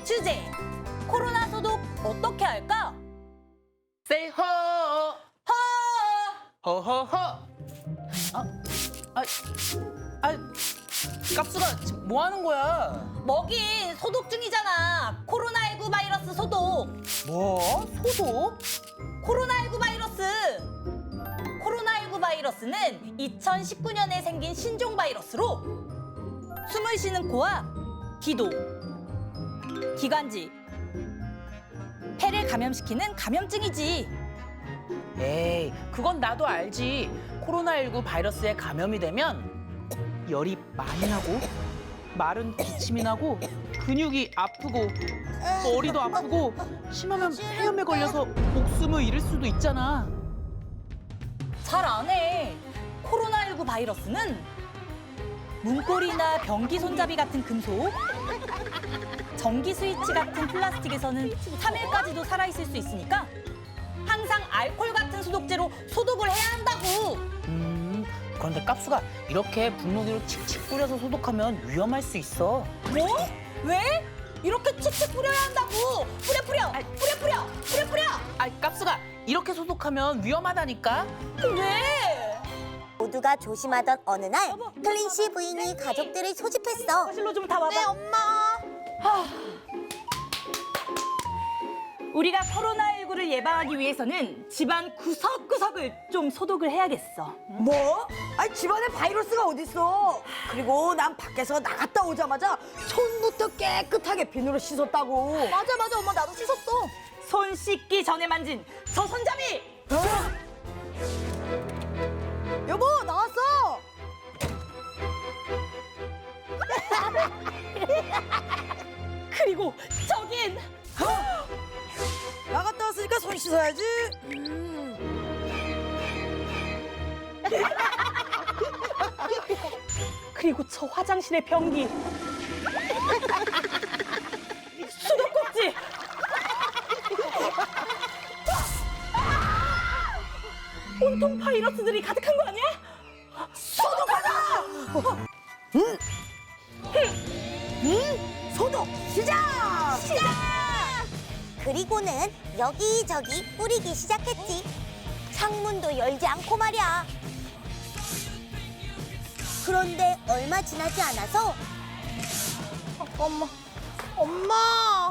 주제. 코로나 소독 어떻게 할까? Say ho, 허! ho, ho, ho. 깝수가 지금 뭐 하는 거야? 먹인 소독 중이잖아. 코로나19 바이러스 소독. 뭐? 소독? 코로나19 바이러스. 코로나19 바이러스는 2019년에 생긴 신종 바이러스로 숨을 쉬는 코와 기도, 기관지, 폐를 감염시키는 감염증이지. 에이, 그건 나도 알지. 코로나19 바이러스에 감염이 되면 열이 많이 나고, 마른 기침이 나고, 근육이 아프고, 머리도 아프고, 심하면 폐렴에 걸려서 목숨을 잃을 수도 있잖아. 잘 안 해. 코로나19 바이러스는 문고리나 변기 손잡이 같은 금속, 전기 스위치 같은 플라스틱에서는 3일까지도 살아있을 수 있으니까 항상 알코올 같은 소독제로 소독을 해야 한다고. 그런데 깝수가 이렇게 분무기로 칙칙 뿌려서 소독하면 위험할 수 있어. 뭐? 왜? 이렇게 칙칙 뿌려야 한다고. 뿌려. 깝수가 이렇게 소독하면 위험하다니까. 왜? 모두가 조심하던 어느 날 클린시 부인이 가족들을 소집했어. 거실로 좀 다 와봐. 네, 엄마. 우리가 코로나19를 예방하기 위해서는 집안 구석구석을 좀 소독을 해야겠어. 뭐? 아니 집안에 바이러스가 어딨어? 그리고 난 밖에서 나갔다 오자마자 손부터 깨끗하게 비누로 씻었다고. 맞아, 엄마 나도 씻었어. 손 씻기 전에 만진 저 손잡이! 여보 나왔어. 그리고 저긴 나갔다 왔으니까 손 씻어야지. 그리고 저 화장실의 변기 수도꼭지 온통 바이러스들이 가득한 거 아니야? 소독 시작. 그리고는 여기저기 뿌리기 시작했지. 창문도 열지 않고 말이야. 그런데 얼마 지나지 않아서 엄마,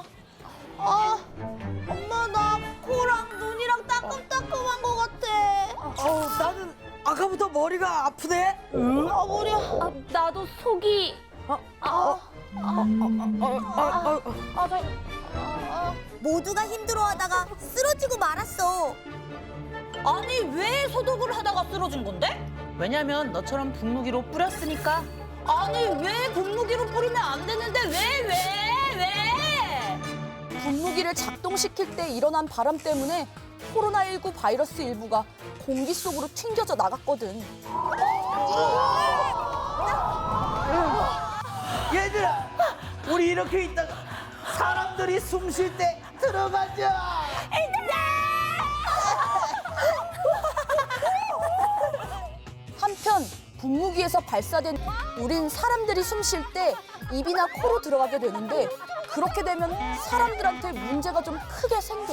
엄마 나 코랑 눈이랑 따끔따끔한 것 같아. 나는 아까부터 머리가 아프네. 머리야. 나도 속이 모두가 힘들어하다가 쓰러지고 말았어. 아니 왜 소독을 하다가 쓰러진 건데? 왜냐면 너처럼 분무기로 뿌렸으니까. 아니 왜 분무기로 뿌리면 안 되는데 왜? 분무기를 작동시킬 때 일어난 바람 때문에 코로나19 바이러스 일부가 공기 속으로 튕겨져 나갔거든. 얘들아, 우리 이렇게 있다가 사람들이 숨 쉴 때 들어가자. 한편 분무기에서 발사된 우린 사람들이 숨 쉴 때 입이나 코로 들어가게 되는데 그렇게 되면 사람들한테 문제가 좀 크게 생겨.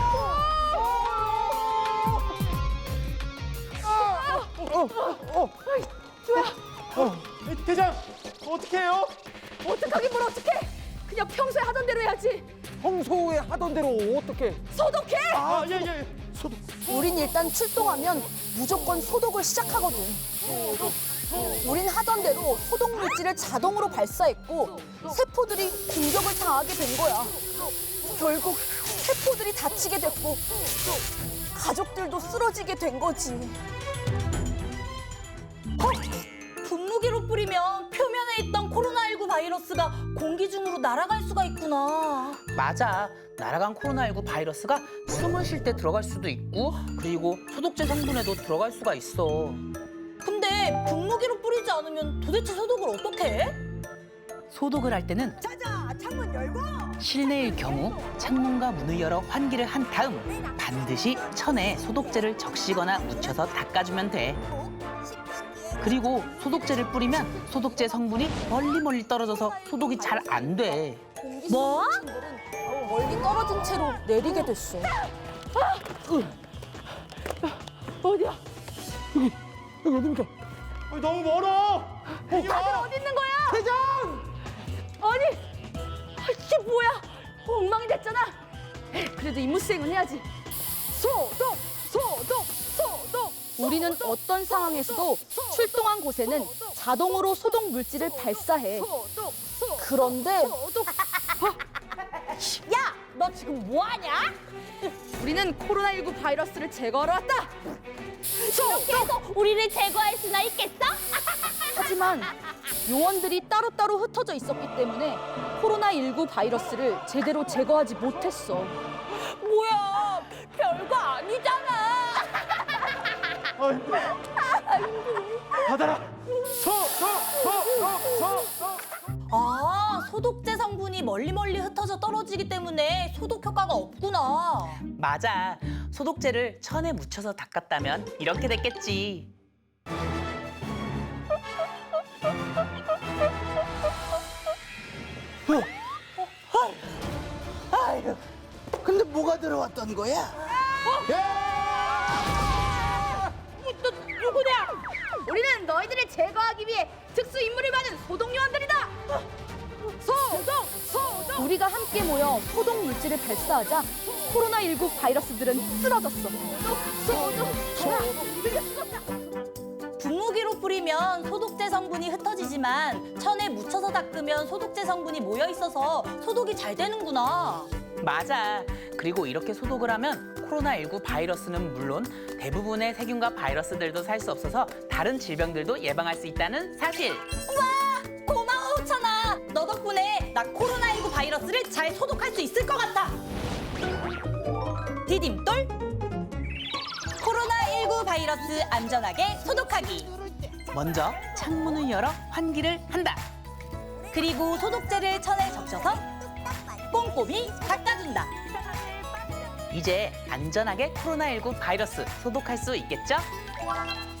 대장, 어떻게 해요? 어떡하긴 뭘 어떡해. 그냥 평소에 하던 대로 해야지. 평소에 하던 대로 어떻게? 소독해! 아, 예. 소독. 우린 일단 출동하면 무조건 소독을 시작하거든. 우린 하던 대로 소독 물질을 자동으로 발사했고 세포들이 공격을 당하게 된 거야. 결국 세포들이 다치게 됐고 가족들도 쓰러지게 된 거지. 분무기로 뿌리면 표면에 있던 코로나19 바이러스가 공기 중으로 날아갈 수가 있구나. 맞아. 날아간 코로나19 바이러스가 숨을 쉴 때 들어갈 수도 있고, 그리고 소독제 성분에도 들어갈 수가 있어. 근데 분무기로 뿌리지 않으면 도대체 소독을 어떻게 해? 소독을 할 때는 자자, 창문 열고. 실내일 경우 창문과 문을 열어 환기를 한 다음 반드시 천에 소독제를 적시거나 묻혀서 닦아주면 돼. 10분 뒤에 그리고 소독제를 뿌리면 소독제 성분이 멀리 떨어져서 소독이 잘 안 돼. 뭐? 멀리 떨어진 채로 내리게 됐어. 어디야? 너무 멀어. 다들 어디 있는 거야? 대장. 아니, 이게 뭐야? 엉망이 됐잖아. 그래도 임무 수행은 해야지. 소독, 소독, 소독. 우리는 어떤 상황에서도 출동한 곳에는 자동으로 소독 물질을 발사해. 소독, 소독. 그런데 소독. 야, 너 지금 뭐 하냐? 우리는 코로나19 바이러스를 제거하러 왔다. 이렇게 해서 우리를 제거할 수나 있겠어? 하지만 요원들이 따로따로 흩어져 있었기 때문에 코로나19 바이러스를 제대로 제거하지 못했어. 뭐야, 별거 아니잖아. 받아라. 아, 소독제 성분이 멀리 흩어져 떨어지기 때문에 소독 효과가 없구나. 맞아. 소독제를 천에 묻혀서 닦았다면 이렇게 됐겠지. 아유, 근데 뭐가 들어왔던 거야? 너 누구냐? 우리는 너희들을 제거하기 위해 특수 임무를 받은 소독 요원들이다. 소독, 소독. 우리가 함께 모여 소독 물질을 발사하자 코로나19 바이러스들은 쓰러졌어. 분무기로 뿌리면 소독제 성분이 흩어지지만 천에 묻혀서 닦으면 소독제 성분이 모여 있어서 소독이 잘 되는구나. 맞아. 그리고 이렇게 소독을 하면 코로나19 바이러스는 물론 대부분의 세균과 바이러스들도 살 수 없어서 다른 질병들도 예방할 수 있다는 사실. 우와, 고마워 호찬아. 너 덕분에 나 코로나19 바이러스를 잘 소독할 수 있을 것 같아. 디딤돌 코로나19 바이러스 안전하게 소독하기. 먼저 창문을 열어 환기를 한다. 그리고 소독제를 천에 적셔서 꼼꼼히 닦아준다. 이제 안전하게 코로나19 바이러스 소독할 수 있겠죠?